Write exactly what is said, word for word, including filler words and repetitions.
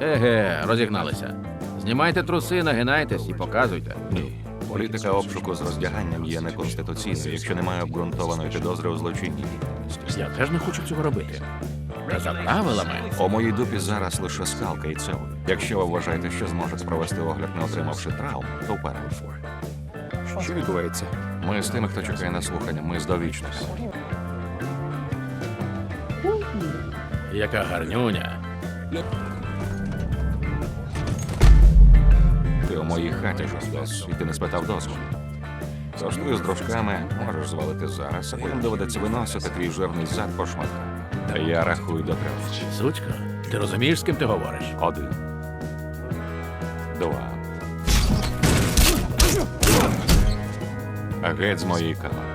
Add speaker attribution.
Speaker 1: Еге, розігналися. Знімайте труси, нагинайтесь і показуйте.
Speaker 2: Ні. Політика обшуку з роздяганням є неконституційною, якщо немає обґрунтованої підозри у злочинній діяльності.
Speaker 1: Я теж не хочу цього робити. Та за правилами.
Speaker 2: У моїй дупі зараз лише скалка і цел. Якщо ви вважаєте, що зможете провести огляд, не отримавши травм, то вперед.
Speaker 3: Що відбувається?
Speaker 2: Ми з тими, хто чекає на слухання, ми з довічності.
Speaker 1: Яка гарнюня.
Speaker 2: Ти у моїй хаті жостес, і ти не спитав дозволу. Тож ти з дружками можеш звалити зараз, а потім доведеться виносити твій жирний зад по шматках. Та я рахую до трьох.
Speaker 1: Сучко, ти розумієш, з ким ти говориш?
Speaker 2: Один. Два. А геть з моєї камери.